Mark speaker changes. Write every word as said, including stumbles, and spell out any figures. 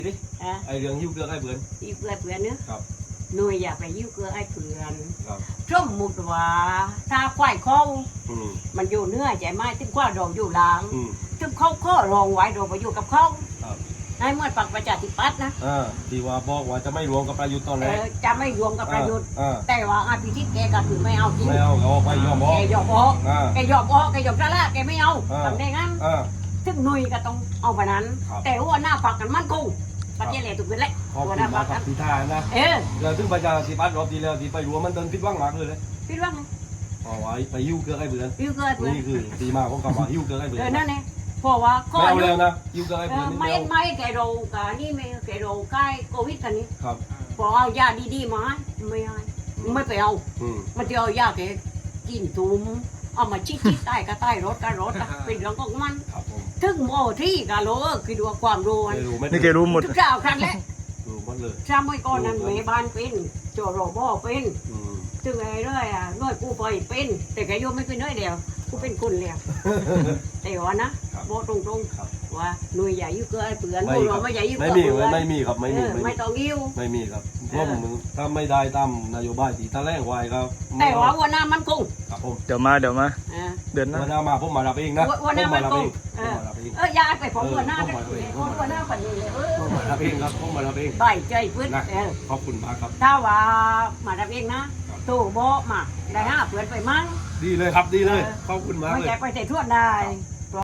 Speaker 1: ไอเรื่องยิ้วเกลือไอเบื่อ
Speaker 2: ยิ้วเกลือเบื่อเนื้อ
Speaker 1: ครับ
Speaker 2: หน่วยอย่าไปยิ้วเกลือไอเบื่อ
Speaker 1: ครับ
Speaker 2: สมมุติว่าถ้าควายเขามันอยู่เนื้อใจไหมถึงควายเราอยู่หลังถึงเขาข้อรองไว้เราไปอยู่กับเขาในเมื่อปักประชาธิปัตย์นะ
Speaker 1: อ่าที่ว่าบอกว่าจะไม่รวมกับประยุทธ์ตอนแรก
Speaker 2: จะไม่รวมกับประยุทธ์แต่ว่าอาพิชิตแกก็คือไม่เอาจริง
Speaker 1: ไม่เอาเอาไปยอมออก
Speaker 2: แกยอมออกแกยอมออกแกยอมซะละแกไม่เอาทำได้งั้นถึงหน่วยก็ต้องเอาไปนั้นแต่ว่าหน้าปักกันมั่นคงประเทศเลยถูกเป็นเลย
Speaker 1: ขอบคุณมากครับที่ท่านะ
Speaker 2: เออ
Speaker 1: แล้วถึงประชาธิปัตย์รอบที่แล้วที่ไปรวมมันเดินพิดว่างมากเลย
Speaker 2: พิดว่าง
Speaker 1: เอาไว้ไปยิ้วเกลือไอเบื่อ
Speaker 2: ยิ้วเกลือ
Speaker 1: นี่คือตีมาของคำว่ายิ้วเกลือไอเบื่อ
Speaker 2: นั่นเองเพราะว่า
Speaker 1: ไม่เอาแล้วนะยิ้วเกลือไอเบื่อ
Speaker 2: ไม่ไม่แกโรกันนี่ไม่แกโรใกล้โควิดกันนี่
Speaker 1: ครับ
Speaker 2: พอเอายาดีๆมาไม่เอาไม่ไปเอามันจะเอายาแกกินตุ้มเอามาชิดๆใต้ก็ใต้รถก็รถเป็นเรื่องของมันถึงโมที่กาโลคือดูความรู้
Speaker 3: นี่แกรู้หมด
Speaker 2: ทุกเจ้าครั้งแรก
Speaker 1: รู้หมดเลย
Speaker 2: ชาไม่ก่อนนั้นเมย์บ้านเป็นโจโรบอเป็นถึงไอ้เรื่อยอ่ะน้อยกูไปเป็นแต่แกโยมไม่เป็นน้อยเดียวกูเป็นคนเดียวแต่ว่านะบอกตรงๆว่าหน่วยใหญ่ยุ่งเกินเปลือนพวกเราไม่ใหญ่ยุ่งเกิน
Speaker 1: ไม่มีไม่มีครับไม่มี
Speaker 2: ไม่ต้องยิ้ว
Speaker 1: ไม่มีครับเพราะผมถ้าไม่ได้ตามนโยบายที่ตาแรงไว้ครับ
Speaker 2: แต่ว่าวันหน้ามันคง
Speaker 1: ครับผม
Speaker 3: เดี๋ยวมาเดี๋ยวมาเดือนหน้า
Speaker 1: วันหน้ามาผมมารับเองนะ
Speaker 2: วันหน้ามันคงเออยาไปผมวันหน้าเลยวันหน้าฝันเลยเออ
Speaker 1: ผมมารับเองครับผมมารับเอง
Speaker 2: ใบใจพื้น
Speaker 1: ขอบคุณมากครับ
Speaker 2: ถ้าว่ามารับเองนะตู้โบมาได้ห้าเปลือนไปมั้ง
Speaker 1: ดีเลยครับดีเลยขอบคุณมากเลย
Speaker 2: ไม่แจกไปใส่ทั่วได้